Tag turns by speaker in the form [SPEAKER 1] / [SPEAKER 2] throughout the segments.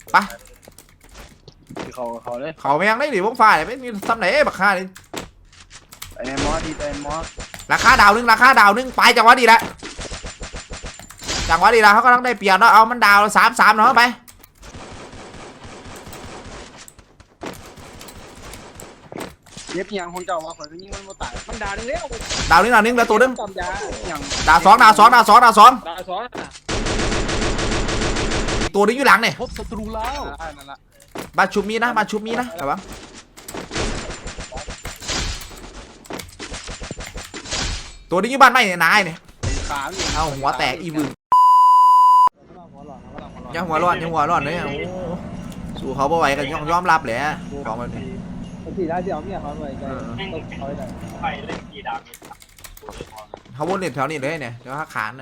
[SPEAKER 1] ไป
[SPEAKER 2] เขาเลย
[SPEAKER 1] เขาไม่ยังได้หนิวงฟ้าเนี่ยไม่มีซ้ำไหนบักค่านี่
[SPEAKER 2] ไอ้มอสดีไอ้มอส
[SPEAKER 1] ราคาดาวนึงไปจังหวะดีแล้วเขาก็ต้องได้เปรียบเนาะเอามันดาว3-3เนาะไป
[SPEAKER 2] เย็บยังคนเจ้าว่าข่อยก็ยิงมันบ่ตายมันด่านึงแล้ว
[SPEAKER 1] ดาวนึงแล้วตัวนึง
[SPEAKER 2] อย่าง
[SPEAKER 1] ดาวสองตัวนึงอยู่หลังเนี่ย
[SPEAKER 3] พบศัตรูแล้ว
[SPEAKER 2] นั่นละ
[SPEAKER 1] มาชุบมีนะแต่ว่าตัวนี้อยู่บ้านไม่เนี่ยนายเนี่ยเอาหัวแตกอีบึงยังหัวร้อนเลยสู้เขาบ่ไหวกันยอมรับแหละของแบบนี้
[SPEAKER 2] ทีได้เดียวเมียเขาเลย
[SPEAKER 3] ไปเล่นกีดาบ
[SPEAKER 1] เขาวนเล่นแถวนี้เลยเนี่ยเดี๋ยวขานเล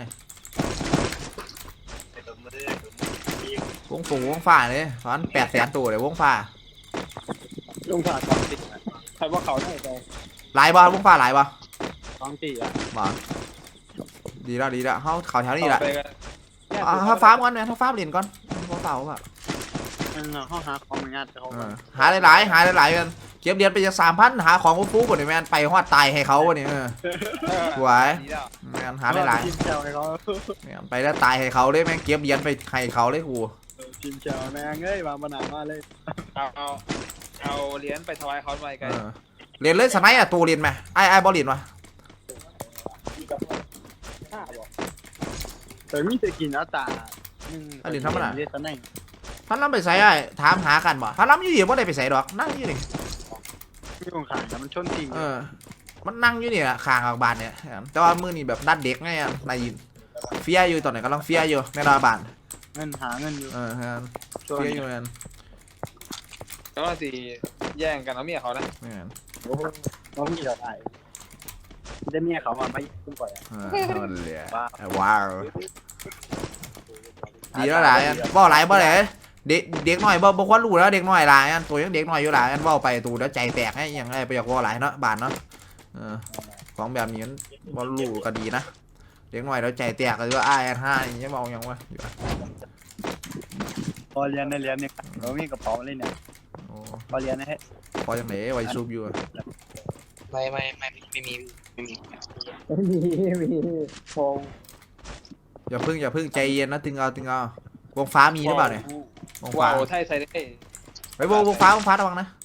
[SPEAKER 1] ยวงฟ้าเลยตอน800,000ตัวเลยวงฟ้า
[SPEAKER 2] ลงผ่าสองติใครว่าเขาได้ใจ
[SPEAKER 1] หลายบ่วงฟ้าหลายบ่
[SPEAKER 2] 2 ตีอ่ะ
[SPEAKER 1] บ่ดีแล้วเขาแถวนี้แหละถ้าฟาร์มก่อนเนี่ยถ้าฟาร์มเล่นก่อนเขาเต่าอ่ะ
[SPEAKER 2] เขาหาของงานเขา
[SPEAKER 1] หาหลายกันเก็บเดือนไปจะ3,000หาของฟูก่อนเนี่ยแมนไปฮอดตายให้เขาวะเนี่ยสวยแมนหาหลายไปแล้วตายให้เขาเลยแมงเก็บเดือนไปให้เขาเลยกู
[SPEAKER 2] ทีมเจ้าแม่งเอ้ยวางปัญหามาเลย
[SPEAKER 3] เอาเหรียญไปถวายเขาไปกัน
[SPEAKER 1] เรียนเลยสมัยอะตัวเรียนไหมไอ้บอลเรียนวะ
[SPEAKER 2] แต่มีแต่กินตา
[SPEAKER 1] เรียนทำอะไร
[SPEAKER 2] เรียนตำแหน่ง
[SPEAKER 1] ท่านล้ำไปใส่ไอ้ถามหากันบ่ท่านล้ำอยู่เดี๋ยวว่าได้ไปใส่ดอกนั่งอยู่นี่
[SPEAKER 2] ที่ของขายแต่มันชนจริง
[SPEAKER 1] มันนั่งอยู่นี่แหละข้างบานเนี่ยแต่ว่ามือนี่แบบนัดเด็กไงในเฟียอยู่ตอนไหนกำลังเฟียอยู่ในรอบาน
[SPEAKER 2] หาเงินอยู่
[SPEAKER 1] เฟียอยู่นั่น
[SPEAKER 3] แล้วสิแย่งกันเอาเมียเขานะ
[SPEAKER 2] น้องมีเราได้ได้เมียเขามาไม่คุ้มก่อน
[SPEAKER 1] ว้าวดีแล้วหลายบ่หลายเด็กหน่อยบ่ควรรู้แล้วเด็กหน่อยหลายตัวยังเด็กหน่อยอยู่หลายว่าไปตูแล้วใจแตกให้ยังไงไปอยากว่าหลายเนาะบานเนาะของแบบนี้บ่รู้ก็ดีนะเด็กหน่อยแล้วใจแตกก็ว่า5อย่างเงี้ยเบาอย่างวะ
[SPEAKER 2] พอเรียนได้เรียนเนี่ยเรามีกระเป๋าเลยเนี่ยพอเรียนนะฮะ
[SPEAKER 1] พอยังไหนไว้ซูบอยู่
[SPEAKER 3] ไม่มี
[SPEAKER 2] พง
[SPEAKER 1] อย่าพึ่งใจเย็นนะตึงเอาวงฟ้ามีหรือเปล่าเนี่ยวงฟ้า
[SPEAKER 3] ไทยใส่ได้
[SPEAKER 1] ไปวงฟ้าระวังนะ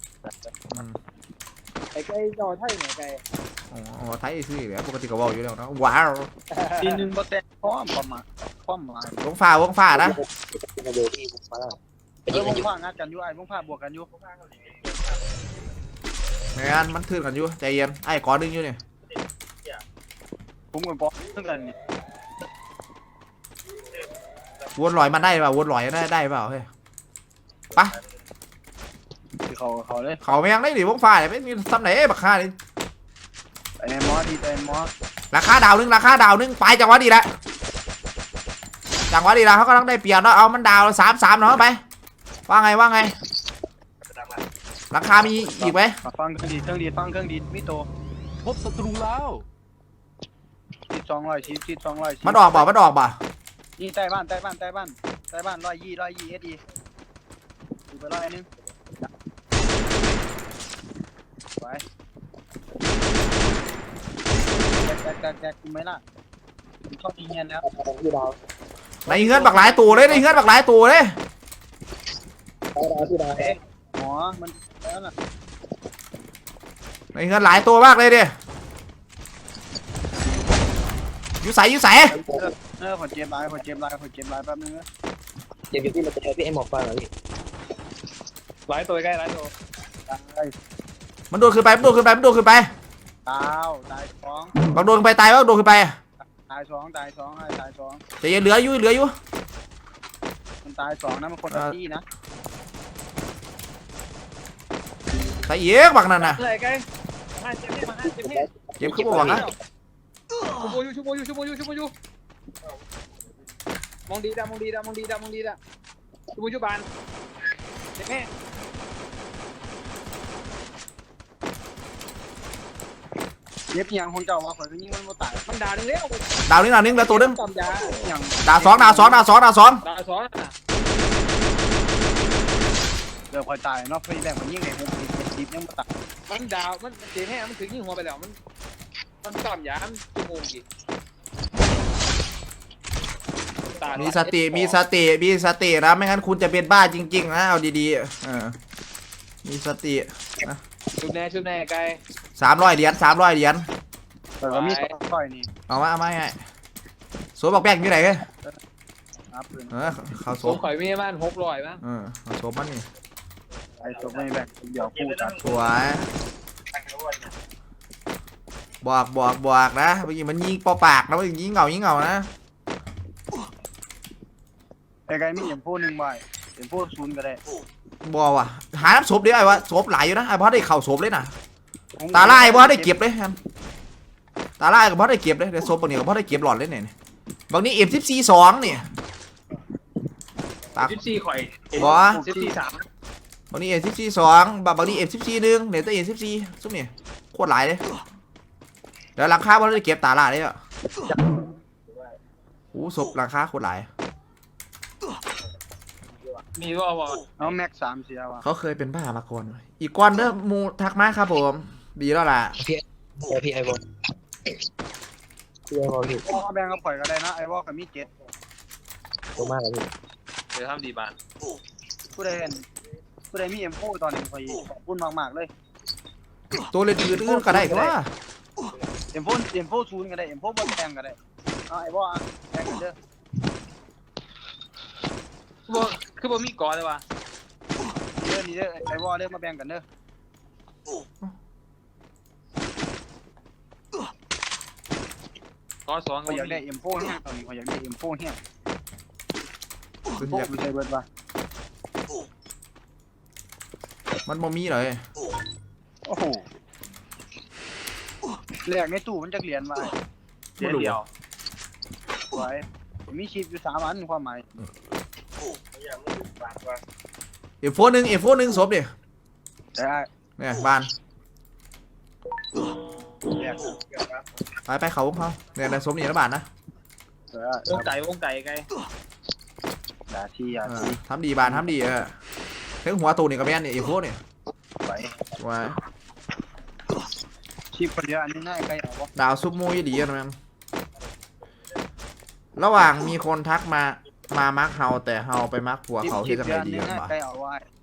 [SPEAKER 2] ไอ้จอไทยไหนไก่
[SPEAKER 1] ไทยซื้อแล้วปกติก็บอกอยู่แล้วนะว้าว
[SPEAKER 2] ทีนึงก็แต่พร้อมประมาณ
[SPEAKER 1] วงฟ้านะวงฟ้า
[SPEAKER 2] งัดกันอยู่ไอ้วงฟ้าบวกกันอยู่
[SPEAKER 1] งานมันทื่นกันอยู่ใจเย็นไอ้ก้อนดึงอยู่เนี่ย
[SPEAKER 2] ผมกับก้อนเท่ากันนี่
[SPEAKER 1] วนลอยมันได้เปล่าวนลอยได้เปล่าเฮ้ยปะ
[SPEAKER 2] เขาเลย
[SPEAKER 1] เขาไม่ยังได้หนิวงฟ้าเนี่ยไม่มีซ้ำไหนบักค่านี่
[SPEAKER 2] ไอ้มอสดีไอ้มอส
[SPEAKER 1] ราคาดาวนึงไปจังหวะดีแล้วเขาก็ต้องได้เปรียบเนาะเอามันดาว3-3เนาะไปว่าไงราคามีอีกไหม
[SPEAKER 2] ฟังเครื่องดีมิโต
[SPEAKER 3] พบศัตรูแล้ว
[SPEAKER 2] ชิด200
[SPEAKER 1] มันออกบ่
[SPEAKER 2] นี่ใต้บ้าน120เอสดีดูไป100นึงไปแจกกูไหมล่ะชอบเงียนแล้ว
[SPEAKER 1] ในเฮือนบักหลายตัวเลย
[SPEAKER 2] หมอมันแล้วน่ะ
[SPEAKER 1] ในเฮือนหลายตัวมากเลยดิอยู่ใส่
[SPEAKER 2] ขอเจมไลน์แป๊บนึงนะ
[SPEAKER 3] เดี๋ยวพี่มาจะใช้พี่ไอ้หมอกฟังเหรอพี่หลายตัวใกล้หลายตัว
[SPEAKER 1] มันโดนขึ้นไปตาย2บางโดนไปตายโดนขึ้นไป
[SPEAKER 2] ตาย2
[SPEAKER 1] จะยังเหลืออยู่
[SPEAKER 2] มันตาย2นะมันคนละที่นะ
[SPEAKER 1] ใส่เยอะบักนั่นน่ะเจ็บขึ้นมาบักนะ
[SPEAKER 3] ชุบอยู่มองดีดชุบบานเด็กแม่
[SPEAKER 2] เย็บยังคนเจ้าว่าข่อยก็ยิงมันบ่ตาย
[SPEAKER 3] มันด่านึงแล้ว
[SPEAKER 1] นึงแล้วตัวนึง
[SPEAKER 2] อย่าง
[SPEAKER 1] ดาว2
[SPEAKER 2] เดี๋ยวคอยตายเนาะพี่แบงมันยิ่งไงผมติดยังมาตัด
[SPEAKER 3] มันดาวมันเจ็บแห้งมันถึงยิงหัวไปแล้วมันต่ำยามชั่วโมงกี่
[SPEAKER 1] มีสตินะไม่งั้นคุณจะเป็นบ้าจริงๆนะเอาดีๆมีสติ
[SPEAKER 3] ชุบแน่ไกล
[SPEAKER 1] 300 เหรียญ
[SPEAKER 2] แต่ก็มีต่อยนี่
[SPEAKER 1] เอามาไงสวมบอกแป้งอยู่ไหนเฮ้ย
[SPEAKER 2] ครับปืน
[SPEAKER 1] เขาส
[SPEAKER 3] ส
[SPEAKER 1] ว
[SPEAKER 3] ม
[SPEAKER 1] ม
[SPEAKER 3] ข่อยมีบ้าน600มั้ง
[SPEAKER 1] เขาสวมมันนี่
[SPEAKER 2] ไอ้ตัวไม่แบงเดี๋ยวพูดตัด
[SPEAKER 1] สวยบอกนะเมื่อกี้มันยิงปอปากนะมันยิงเหงานะ
[SPEAKER 2] ไอ้ไก่มีอย่างพูดหนึ่งใบอย่างพูดศูนย์ก็ได้
[SPEAKER 1] บอกว่ะหาน้ำศพดิไอ้วะศพหลายอยู่นะไอ้บอสได้เข่าศพเลยนะตาล่าไอ้บอสได้เก็บเลยครับตาล่ากับบอสได้เก็บเลยเดี๋ยวศพบางนี้กับบอสได้เก็บหลอดเลยเนี่ยบางนี้F14 2เนี่ย
[SPEAKER 3] 14ข่อย
[SPEAKER 1] บอส
[SPEAKER 3] 14
[SPEAKER 1] บางนี้F14 2บางนี้F14 1เนี่ยตัวF14ซุ่มเนี่ยโคตรหลายเลยเดี๋ยวราคาบอสได้เก็บตาล่าเลยอ่ะโอ้ศพราคาโคตรหลาย
[SPEAKER 3] มีว่า
[SPEAKER 2] เอาแม็ก3เสียว่ะ
[SPEAKER 1] เขาเคยเป็นบ้ามาก่อนอีกก้อนเด้อมูทักมาครับผมดีแล้วล่ะ
[SPEAKER 3] พี่ไอบอลพี่
[SPEAKER 2] พ่อแบงก็ปล่อยก็ได้นะไอ้ว่ากับมี7
[SPEAKER 3] ตัวมากเลยพี่เดี๋ยวทำดีบ้าน
[SPEAKER 2] ผู้ใดมีเอ็มโฟตอนนี้คอยขอบคุณมากๆเลย
[SPEAKER 1] ตัวเล่นอื่นก็ได้ก็ว่า
[SPEAKER 2] เอ็มโฟศูนย์ก็ได้เอ็มโฟบนแบงก็ได้เอาไอ้ว่าแบงกันเด้อ
[SPEAKER 3] คือบ่มีก่อนเลยวะ
[SPEAKER 2] นี่เด้อไอ้ว่าเด้อมาแบ่งกันเด้อ
[SPEAKER 3] ก่อน2
[SPEAKER 2] เขาอยากได้เอ็มโฟแห้งตอนนี้เขาอยากได้เอ็มโฟแห้ง
[SPEAKER 1] คุณ
[SPEAKER 2] โฟ
[SPEAKER 1] อยาก
[SPEAKER 2] ไม่ใช่เบิร์ดป่ะ
[SPEAKER 1] มันบ่มีเลย
[SPEAKER 2] โอ้โหแหลกในตู้มันจะเหรียญมา
[SPEAKER 3] เดียว
[SPEAKER 2] ไว้มีชิปอยู่3 อันความหมาย
[SPEAKER 1] F1 ศพดิ
[SPEAKER 2] แต่
[SPEAKER 1] เนี่ยบ้าน
[SPEAKER 2] แหลก
[SPEAKER 1] ไปเขาพวกเขาเนี่ยในศพนี่ละบาทนะ
[SPEAKER 3] วงไก่ไกล
[SPEAKER 2] ด่าทีอย่าที
[SPEAKER 1] ทำดีบานทำดีถึงหัวตูนี่ก็แม่นเนี่ยF1เนี่ย
[SPEAKER 2] ไว้
[SPEAKER 1] ว้า
[SPEAKER 2] ชิปคนเดียวอันนี้ง่ายใกล้เอาวะ
[SPEAKER 1] ดาวซุปมูยดีนะแม่ระหว่างมีคนทักมามักเฮาแต่เฮาไปมักผัวเขาที่ทำไงดีกัน
[SPEAKER 2] ง่าย
[SPEAKER 1] วะ
[SPEAKER 2] ใกล้เอาไว้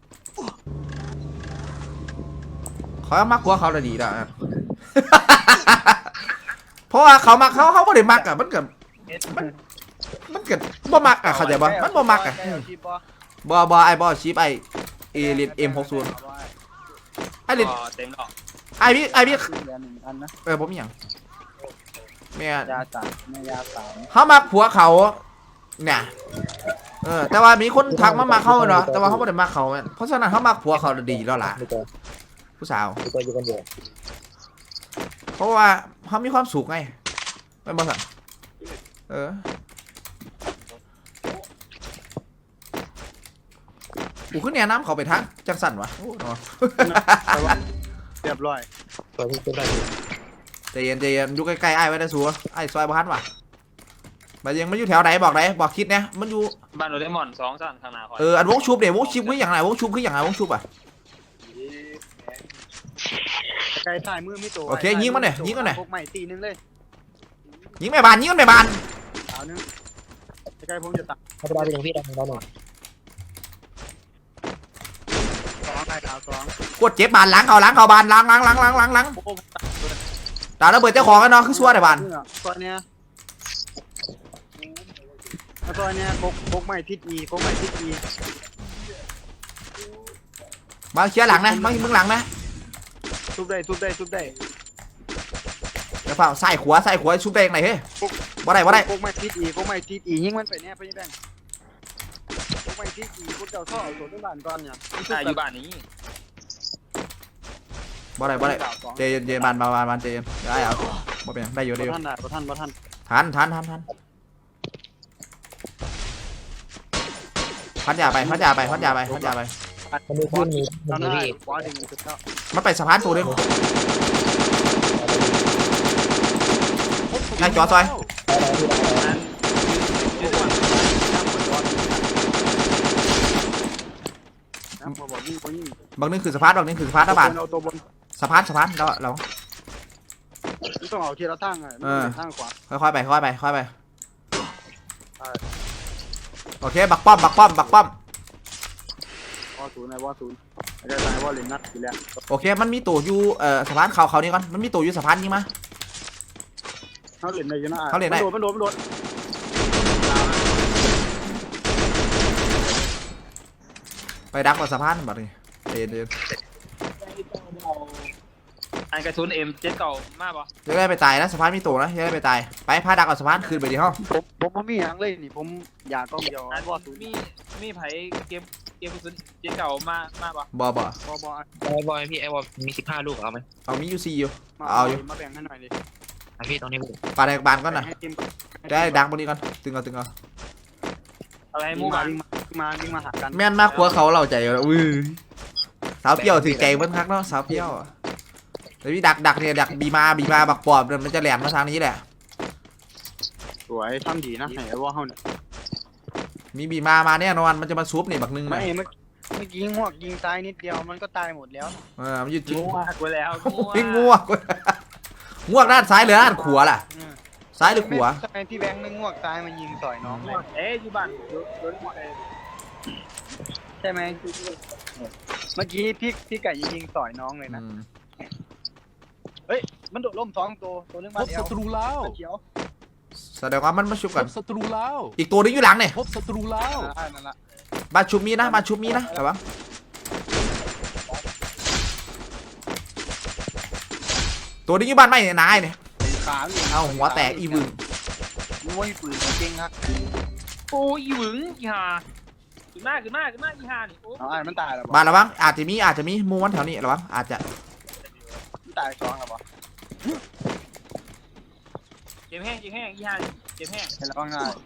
[SPEAKER 1] เขามักผัวเขาเลยดีแล้วเพราะว่าเขามักเขาไม่ได้มักอ่ะมันเกิดบ่มักอ่ะเข้าใจบ่มันบ่มักอ่ะบ่ไอ้บ่ชิปไอ้เล่นM60ไอ้เล่น
[SPEAKER 3] เต็มหรอก
[SPEAKER 1] ไอ้พี่
[SPEAKER 2] เหรียญ1 อันนะ
[SPEAKER 1] ผมอย่างแม่
[SPEAKER 2] ยา3แม่ยา3
[SPEAKER 1] เขามักผัวเขาเนี่ยแต่ว่ามีคนทักมาเขาเนาะแต่ว่าเขาไม่ได้มักเขาเพราะฉะนั้นเขามักผัวเขาดีแล้วล่ะผู้สาวเพราะว่าเขามีความสุขไงไม่บ้าสั่งกูขึ้นเนี่ยน้ำเขาไปทักจังสั่นวะโอ้เนาะ
[SPEAKER 2] เรียบร้อย
[SPEAKER 1] ใจเย็นอยู่ใกล้ๆไอ้ไว้ได้สัวไอ้ซอยบ้านวะมันยังไม่อยู่แถวไหนบอกไหนบอกคิดเนี่ยมันอยู่
[SPEAKER 3] บ้านโดเรมอน2 สั่นข้างหน้าคอย
[SPEAKER 1] อันวงชุบเนี่ยวงชุบคืออย่างไรวงชุบคืออย่างไรวงชุบอ่ะ
[SPEAKER 2] ไก่ถ่ายมือไม่ตัว
[SPEAKER 1] โอเคยิงมันหน่อยยิงมันหน่อย
[SPEAKER 2] พวกใหม่ตีนึงเลย
[SPEAKER 1] ยิงไม่บาน
[SPEAKER 2] สาวนึงไก่ผมจะตัด
[SPEAKER 3] เขาจะได้เป็นพี่ได้ของเราหน่อย
[SPEAKER 2] 2ไก่ขาว2
[SPEAKER 1] กดเจ็บบานล้างเขาบานล้าง
[SPEAKER 2] โอ้
[SPEAKER 1] ตาระเบิดเจ้าของกันเนาะคือซัวได้บาน
[SPEAKER 2] ตัวเนี้ยพวกใหม่ทิศ E พวกใหม่ทิศ E
[SPEAKER 1] มาเคลียร์หลังนะมามึงหลังนะ
[SPEAKER 2] ทุบได้
[SPEAKER 1] เดี๋ยวเปล่าใส่ขวาชุบได้ยังไงเฮ้ยบ่ได้
[SPEAKER 2] พวกใหม่ทิศ E ยิงมันไปเนี่ยพี่แบงพวกใหม่ทิศ E พวกเจ้าท่อเอาตัวต้นบ้านก่อนเนี่ย
[SPEAKER 3] อยู่บ้านนี้
[SPEAKER 1] บ่ได้เจเย็นบานเจเย็นได้เอาบ่เป็นได้อยู่
[SPEAKER 2] บ่ทัน
[SPEAKER 1] ทันพัดยาไป
[SPEAKER 3] มันมีขึ้นมี
[SPEAKER 2] ตอน
[SPEAKER 3] มี
[SPEAKER 2] นั้น
[SPEAKER 3] พี่
[SPEAKER 2] ขวาดึงสุดแล้ว
[SPEAKER 1] มันไปสะพานตัวนึงไอ้จอซอย
[SPEAKER 2] น้ำบ่ยิงคนยิง
[SPEAKER 1] บางนึงคือสะพานบางนึงคือสะพานนะบาน
[SPEAKER 2] เอาตัวบน
[SPEAKER 1] สะพานเรา
[SPEAKER 2] มันต้องเอาทีละทางไงทางขวา
[SPEAKER 1] ค่อยๆไปโอเคบักป้อม
[SPEAKER 2] วอศูนย์วอศูนย์อาจารย์วอเลนนัดทีแล้ว
[SPEAKER 1] โอเคมันมีตัวอยู่สะพานเขานี่ก่อนมันมีตัวอยู่สะพานยิงมา
[SPEAKER 2] เขาเล่นได้ยังไง
[SPEAKER 1] เขาเล่นได้
[SPEAKER 2] มันโดน
[SPEAKER 1] ไปดักกับสะพานบัดนี้เดิน
[SPEAKER 3] อันกระสุนเอ็มเจ็ดเก่า มากปะ
[SPEAKER 1] จะได้ไปตายนะสะพานมีตัวนะจะได้ไปตายไปพาดักกับสะพานคืนไปดิห้อง
[SPEAKER 2] ผมมีอย่างเลยนี่ผมอยากต้องเดียววอศูนย์
[SPEAKER 3] มีไผเกมกระสุนเจ็ดเก่ามากปะ
[SPEAKER 1] บ่
[SPEAKER 2] บอ
[SPEAKER 3] ไอบอยพี่ไอบอยมี15 ลูกเอาไหม
[SPEAKER 1] เอามีอยู่4อยู่เอาอยู่
[SPEAKER 2] มาแบ่งให้หน่อยดิ
[SPEAKER 3] พี่ตรงนี้
[SPEAKER 1] ปาแดกบานก่อนนะ
[SPEAKER 2] ให้ทีม
[SPEAKER 1] ได้ดักบนนี้ก่อนตึงเอา
[SPEAKER 3] อะไร
[SPEAKER 2] วิ่
[SPEAKER 3] มู
[SPEAKER 2] ง
[SPEAKER 3] มา
[SPEAKER 2] มาหากัน
[SPEAKER 1] แม่นมากกว่าเขาเราใจอยู่แล้วสาวเปรี้ยวถือใจเบิ้ลคักเนาะสาวเปรี้ยวแต่พี่ดักเนี่ยดักบีมาบักปอบมันจะแหลมมาทางนี้แหละ
[SPEAKER 2] สวยทำดีนะไหนวอเขาเนี่ย
[SPEAKER 1] มีบีมาแน่นอนมันจะมาซุบนี่บักนึง
[SPEAKER 2] ไม่
[SPEAKER 1] นะ
[SPEAKER 2] เมื่อกี้งวกยิงตายนิดเดียวมันก็ตายหมดแล้ว
[SPEAKER 1] มันอยู่จิ้ง
[SPEAKER 3] งูมากไปแล้ว
[SPEAKER 1] ง่วงด้านซ้ายหรือด้านขวาล่ะซ้ายหรือขวา
[SPEAKER 2] ทำไมพี่แบงค์ไม่งวกตายมายิงต่อยน้องเลย
[SPEAKER 3] อยู่บ้านโดนหมดเลย
[SPEAKER 2] ใช่ไหมเมื่อกี้พี่ไก่ยิงต่อยน้องเลยนะมันโดดล่ม2 ตัวนึง
[SPEAKER 4] พ
[SPEAKER 2] มา
[SPEAKER 4] บ
[SPEAKER 2] เดีย
[SPEAKER 4] ศั
[SPEAKER 2] ว
[SPEAKER 4] ตรูแล้ว
[SPEAKER 2] เขียว
[SPEAKER 1] แสดงว่ามันมาชุบ
[SPEAKER 4] พ
[SPEAKER 1] กัน
[SPEAKER 4] บศัตรูแล้ว
[SPEAKER 1] อีกตัวนึงอยู่หลังเนี่ย
[SPEAKER 4] พบศัตรูแล้ว
[SPEAKER 2] นั่นละ
[SPEAKER 1] บ้านชุบมีนะแต่ว่าตัวนี้อยู่บ้านไม่เนี่ยนายเนี่ย
[SPEAKER 2] ขาเลย
[SPEAKER 1] เอาหัวแตกอีวึง
[SPEAKER 2] มวยปืนเก่งครับ
[SPEAKER 3] โอ้ยหวึงอีห่าขึ้นมากอีห่านี่โอ้
[SPEAKER 2] เอาไอ้มันตายแล้ว
[SPEAKER 1] บ้านระวังอาจจะมีมูมันแถวนี้ระวังอาจจะ
[SPEAKER 2] มันตาย2แล้วบ่
[SPEAKER 3] เจ็บแห้งอีห่าเจ็บแห้ง
[SPEAKER 2] เห็นแล้วว่าง่าย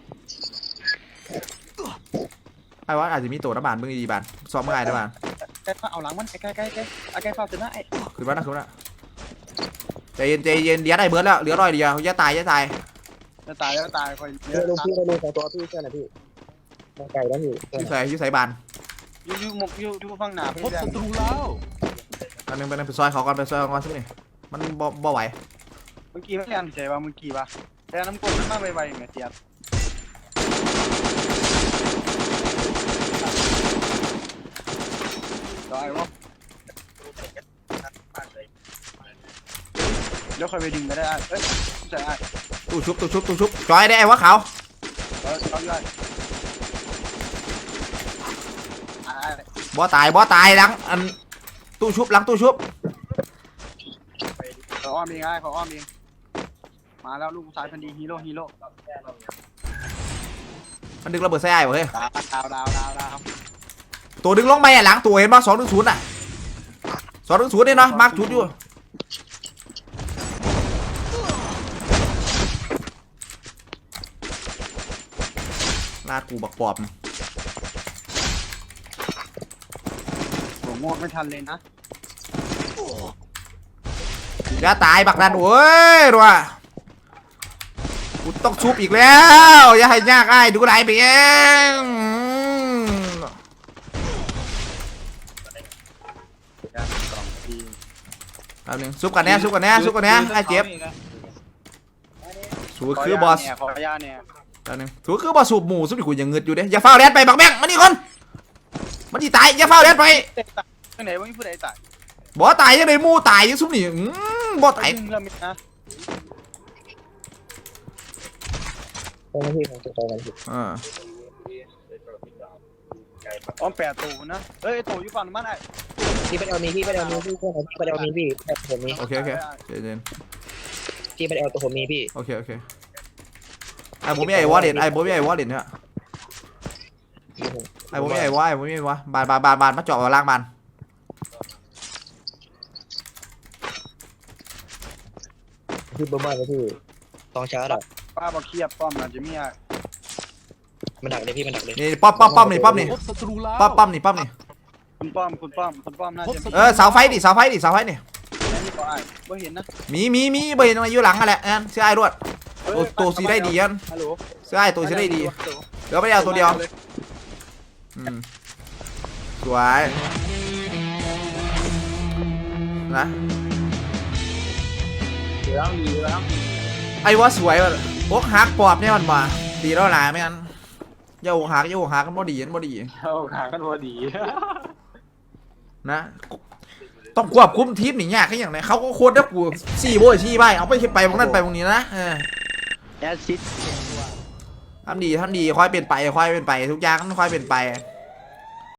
[SPEAKER 1] ไอ้ว่าอาจจะมีตัวระบาดมึงดีบานซ้อมง่ายระบาด
[SPEAKER 2] ใกล้เอาหลังมันใกล้ฟ้าถึงนะไอ้
[SPEAKER 1] ขึ้นมาใจเย็นเดี๋ยวได้เบิร์ดแล้วเหลือ100เดียวอย่าตาย
[SPEAKER 2] จะตายคอย
[SPEAKER 3] ลงพี่เราดูของตัวพี่เชื่อนะพี่มาไก่แล้วอยู่
[SPEAKER 1] อยู่ใส่บาน
[SPEAKER 2] อยู่ฟังหนา
[SPEAKER 4] พบศัตรูแล้ว
[SPEAKER 1] อันนึงไปซอยเขาก่อนสักนี่มันบ่ไหว
[SPEAKER 2] เมื่อกี้ไม่ยันใจว่าเมื่อกี้ป่ะแต่น้ำกลมันมาไวๆไงเสียบรอไอ้วะเดี๋ยวค่อยไปดึงไปได้เอ้ยใช่ไอ้
[SPEAKER 1] ตู้ชุบจอยได้ไอ้วะเขา
[SPEAKER 2] เขาย่อย
[SPEAKER 1] บ่ตายหลังอันตู้ชุบหลังตู้ชุบ
[SPEAKER 2] เขาอ้อมเองไอ้เขาอ้อมเองมาแล้วลูกสายพันธุ์ดีฮีโร่
[SPEAKER 1] มันดึงระเบิดใส่ไอ้เฮ้ย
[SPEAKER 2] ดาว
[SPEAKER 1] ตัวดึงลงไปหลังตัวเห็นป่ะ210อ่ะ210เนี่ยเนาะมาร์คชุดอยู่ลาดกูบักปอบ
[SPEAKER 2] ผมงวดไม่ทันเลยนะ
[SPEAKER 1] อย่าตายบักนั่นโอ้ยรัวกูต้องชุบอีกแล้วอย่าให้ยากไอ้ดูไหลไปเองเอาหนึ่งชุบกันแน่ไอ้เจ็บสูคือบอส
[SPEAKER 2] ขอยาเนี่ย
[SPEAKER 1] เอาหนึ่งสูคือบอสสูบหมูสุดที่กูยังเงืดอยู่เด้อย่าเฝ้าแดนไปบักแบงมานี่คนมันที่ตายอย่าเฝ้าแดนไป
[SPEAKER 2] ที่ไหนวะมีผู้ใดตาย
[SPEAKER 1] บ่ตายยังไงมูตายยังซุปนี่บ่ตาย
[SPEAKER 2] เริ่มนะ
[SPEAKER 3] ตรงนี้ของตัวกันพี่
[SPEAKER 2] อ้อม8 ตัวนะเอ้ยตัวอยู่ฝั่งมันไอ้
[SPEAKER 3] พี่ไปเอามีพี่เชื่อนะพี่ไปเอามีพี่ผมมี
[SPEAKER 1] โอเคเย็น
[SPEAKER 3] พี่ไปเอาตัวผมมีพี่
[SPEAKER 1] โอเคไอ้ผมมีไอ้วอลเล็ตเนี่ยไอ้ผมมีไอ้วะบานมาเจาะล่างบาน
[SPEAKER 3] พี่บ้าเลยพี่ต้องชาร์จอ่ะ
[SPEAKER 2] ป้าบอกเคียบป้อมนะจะมี
[SPEAKER 3] มันดักเลยพี่มันดักเลย
[SPEAKER 1] นี่ป้อมนี่
[SPEAKER 4] พบศัตรูแล้ว
[SPEAKER 1] ป้อมนี่
[SPEAKER 2] คุณป้อมน่าจะ
[SPEAKER 1] เสาไฟนี่
[SPEAKER 2] นี่ก็ไอ้บ่เห็นนะ
[SPEAKER 1] มีเบย์มาอยู่หลังกันแหละงั้นเสื้อไอ้รวดตัวสีได้ดียัน
[SPEAKER 2] ฮัลโหล
[SPEAKER 1] เสื้อไอ้ตัวสีได้ดีเดี๋ยวไปเอาตัวเดียวสวยนะ
[SPEAKER 3] เดี๋ยวแล้วมีแล้ว
[SPEAKER 1] ไอ้ว่าสวยว่ะพวกฮักปอบเนี่ยมันมาดีแล้วหลายไม่งั้นโยกฮักกันบ่ดีกันบ่ดี
[SPEAKER 3] เข้าขากันพอดี
[SPEAKER 1] นะต้องควบคุมทีมหนียากแค่อย่างไรเขาก็โคตรได้กู4 โบยชี้ใบเอาไปไปตรงนั้นไปตรงนี้นะ
[SPEAKER 2] แอซิด
[SPEAKER 1] ทำดีค่อยเป็นไปทุกอย่างมันค่อยเป็นไป